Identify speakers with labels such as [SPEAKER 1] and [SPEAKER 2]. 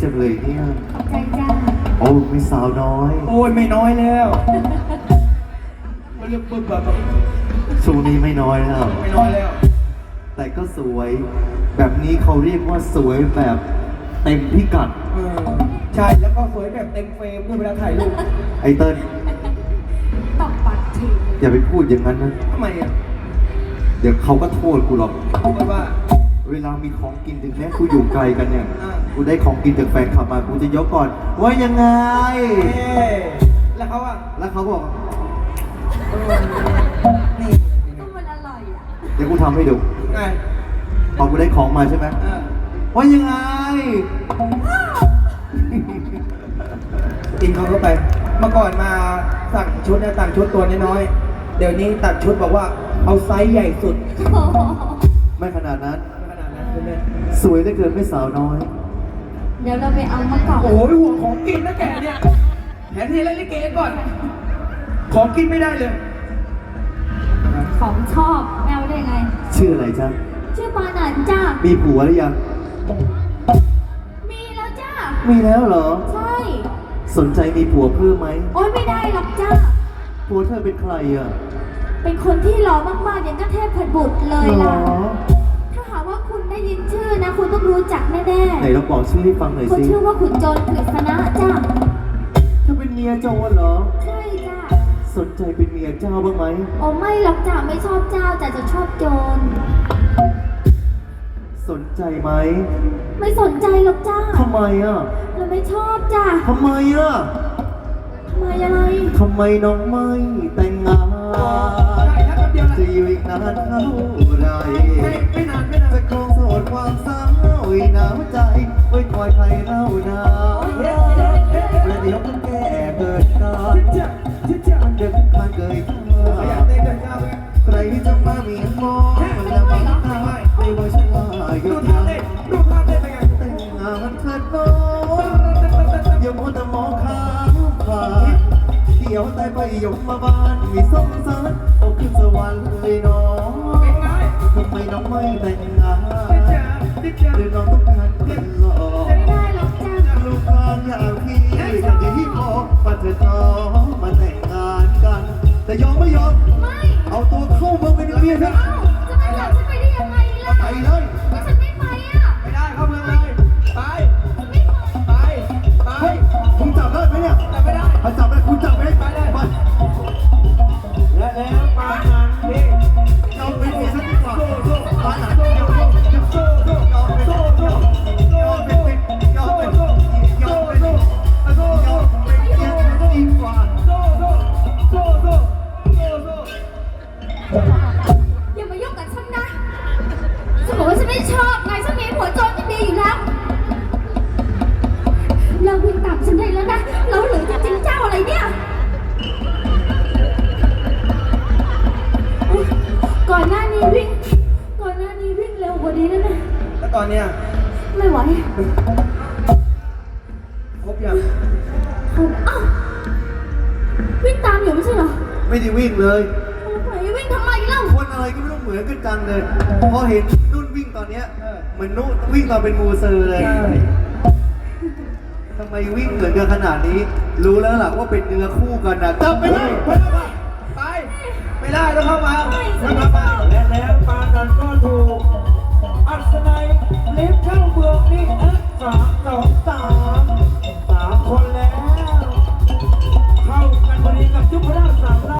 [SPEAKER 1] จังเลยเนี่ย
[SPEAKER 2] ขอบใจจ้า
[SPEAKER 1] โอ้ไม่สาวน้อย
[SPEAKER 3] โอ้ยไม่น้อยแล้วมันเรียกปึ๊บแบบ
[SPEAKER 1] ช่วงนี้ไม่น้อยแล้ว
[SPEAKER 3] ไม่น้อยแล้ว
[SPEAKER 1] แต่ก็สวย แบบนี้เขาเรียกว่าสวยแบบเต็มพิกัด
[SPEAKER 3] ใช่แล้วก็สวยแบบเต็มเฟรมด้วยเวลาถ่ายรูป
[SPEAKER 1] ไอเติ้ล
[SPEAKER 2] ตบปากที
[SPEAKER 1] อย่าไปพูดอย่างนั้นนะ
[SPEAKER 3] ทำไมอ่ะ
[SPEAKER 1] เดี๋ยวเขาก็โทษกูหรอก
[SPEAKER 3] เพราะว่า
[SPEAKER 1] เวลามีของกินถึงแม้กูอยู่ไกลกันเนี่ย
[SPEAKER 3] อ่า
[SPEAKER 1] กูได้ของกินจากแฟนคลับมา กูจะยกก่อน ว่ายังไง
[SPEAKER 3] แล้วเขาอ่ะ
[SPEAKER 1] แล้วเขาบอก
[SPEAKER 3] นี่
[SPEAKER 2] ก็มันอร่อยอ่ะ
[SPEAKER 1] เดี๋ยวกูทำให้ดู
[SPEAKER 3] ไง
[SPEAKER 1] พอกูได้ของมาใช่ไหม ว่ายังไง
[SPEAKER 3] กินเขาเข้าไป เมื่อก่อนมาสั่งชุดเนี่ยสั่งชุดตัวน้อยๆเดี๋ยวนี้ตัดชุดบอกว่าเอาไซส์ใหญ่สุด
[SPEAKER 2] โอ้โห
[SPEAKER 1] ไม่ขนาดนั้น
[SPEAKER 3] ขนาดนั้นเลย
[SPEAKER 1] สวยได้เกินไม่สาวน้อย
[SPEAKER 2] เดี๋ยวเราไปเอามะกอก
[SPEAKER 3] โอ้ยห่วงของกินนะแกเนี่ยแทนที่เล่นลิเกก่อน ของกินไม่ได้เลย
[SPEAKER 2] ของชอบแมวได้ไง
[SPEAKER 1] ชื่ออะไรจ๊ะ
[SPEAKER 2] ชื่อปานันจ้า
[SPEAKER 1] มีผัวหรือยัง
[SPEAKER 2] มีแล้วจ้า
[SPEAKER 1] มีแล้วเหรอ
[SPEAKER 2] ใช่
[SPEAKER 1] สนใจมีผัวเพิ่มไหม
[SPEAKER 2] โอ๊ยไม่ได้หรอกจ้า
[SPEAKER 1] ผัวเธอเป็นใครอ่ะ
[SPEAKER 2] เป็นคนที่หล่อมากๆอย่างก็เทพบุตรเลย
[SPEAKER 1] หร
[SPEAKER 2] ล่ะ
[SPEAKER 1] อ
[SPEAKER 2] ถ้าหากว่าคุณได้ยินชื่อนะ คุณต้องรู้จักแน่
[SPEAKER 1] ไหนเราบอกชื่อให้ฟังหน่อย
[SPEAKER 2] ๆเขา
[SPEAKER 1] สิ
[SPEAKER 2] ชื่อว่าขุนโจรกฤษณะจ้า
[SPEAKER 1] เธอเป็นเมียโจรเหรอ
[SPEAKER 2] ใช่จ้า
[SPEAKER 1] สนใจเป็นเมียเจ้าบ้างไหม
[SPEAKER 2] โอ้ไม่หรอกจ้าไม่ชอบเจ้าแต่จะชอบโจร
[SPEAKER 1] สนใจไหม
[SPEAKER 2] ไม่สนใจหรอกจ้า
[SPEAKER 1] ทำไมอ่ะ
[SPEAKER 2] เราไม่ชอบจ้า
[SPEAKER 1] ทำไมอ่ะ
[SPEAKER 2] ทำไมอะไร
[SPEAKER 1] ทำไมน้องไม่แต่งงาน
[SPEAKER 3] ได้ครับแป๊บเดียวนะ
[SPEAKER 1] จะอยู่อีกนานเท่าไร
[SPEAKER 3] ไม่นานไม่นาน
[SPEAKER 1] จะครองโสดความสาวอีหนาวใจไว้คอยใครเล่านาประเดี๋ยวมันแก่เกิดกา
[SPEAKER 3] ชิดจ้ะ
[SPEAKER 1] มันเดินผ่านเกยข้า
[SPEAKER 3] ขยันเต้นเดินก้าวเลย
[SPEAKER 1] ใครจะมามีมองมันละบังตาไม่ว่าฉันว่าหยุ
[SPEAKER 3] ดู
[SPEAKER 1] ด
[SPEAKER 3] ท่า
[SPEAKER 1] ยั
[SPEAKER 3] เต้น
[SPEAKER 1] ง
[SPEAKER 3] ดูท่าเต้นเป็นไง
[SPEAKER 1] แต่งงานเถิดน้องอย่ามัวแต่มองข้ามผ่านเดี๋ยวตายไปยมมาบ้านมีสงสารเอาขึ้นสวรรค์เลยน้อง
[SPEAKER 3] เป็นไง
[SPEAKER 1] ทำไมน้องไม่แต่งงาน
[SPEAKER 3] ชิดจ้ะชิดจ้ะ
[SPEAKER 1] หรือน้องต้องการเป็นหล่อ
[SPEAKER 2] ไม่ได้หรอกจ้า
[SPEAKER 1] ลูกกลางอย่างพี่ที่พอมาเถิดน้องมาแต่งงานกัน แต่ยอมไม่ยอม
[SPEAKER 2] ไม่
[SPEAKER 1] เอาตัวเข้าเมืองเป็นเมียฉัน
[SPEAKER 2] เอ้าจะไม่หลับฉันไปได้ยังไงล่ะ
[SPEAKER 1] ไปเลย
[SPEAKER 2] ฉันไม่ไปอ่ะ
[SPEAKER 3] ไม่ได้เข้าเมืองเลยไป
[SPEAKER 2] ไม่ไป
[SPEAKER 3] ไปไป
[SPEAKER 1] เฮ้ยคุณจับได้ไหมเนี่ย
[SPEAKER 3] แต่ไม่ได้
[SPEAKER 1] ถ้าจับได้คุณจับไหม
[SPEAKER 3] ไปเลย
[SPEAKER 1] ไป
[SPEAKER 3] และแล้วปานนั้นพี่
[SPEAKER 1] เราเป็นเมียฉันดีกว่า
[SPEAKER 3] โซ่โซ่
[SPEAKER 1] ร้านไหน
[SPEAKER 3] โซ่
[SPEAKER 1] ยอม
[SPEAKER 3] โซ่โซ่โซ่โซ่โซ่
[SPEAKER 1] เป็นยอมเป็นยอมเป็นยอมเป็นเมียฉันดีกว่า
[SPEAKER 3] โซ่โซ่โซ่โซ่โซ่โซ่
[SPEAKER 2] อย่ามายุ่งกับฉันนะฉันบอกว่าฉันไม่ชอบไงฉันมีผัวโจรจะดีอยู่แล้วเราวิ่งตามฉันได้แล้วนะเราเหลือจริงๆเจ้าอะไรเนี่ยอุ๊ยก่อนหน้านี้วิ่งเร็วกว่านี้แล้วนะ
[SPEAKER 3] แล้วตอนเนี้ย
[SPEAKER 2] ไม่ไหว
[SPEAKER 3] ครบยัง
[SPEAKER 2] คุณอ้าววิ่งตามอยู่ไม่ใช่เหรอ
[SPEAKER 1] ไม่ได้วิ่งเลย
[SPEAKER 2] ไหนวิ่งทำไมเล่า
[SPEAKER 1] คนอะไรก็ไม่รู้เหมือนกันจังเลย พอเห็นนุ่นวิ่งตอนเนี้ยเหมือนนุ่นวิ่งตอนเป็นมูเซอร์เลย
[SPEAKER 3] ใช่
[SPEAKER 1] ทำไมวิ่งเหมือนกันขนาดนี้ รู้แล้วล่ะว่าเป็นเนื้อคู่กันนะจับไปเลย
[SPEAKER 3] ไปไม่ได้ต้องเข้ามา
[SPEAKER 2] ไม่
[SPEAKER 3] ต้อง
[SPEAKER 2] ไม่
[SPEAKER 3] เข้ามา
[SPEAKER 2] ชอบ
[SPEAKER 3] และแล้วปานนั้นก็ถูกอัศนัยเล็บเข้าเมืองนี่3 2 3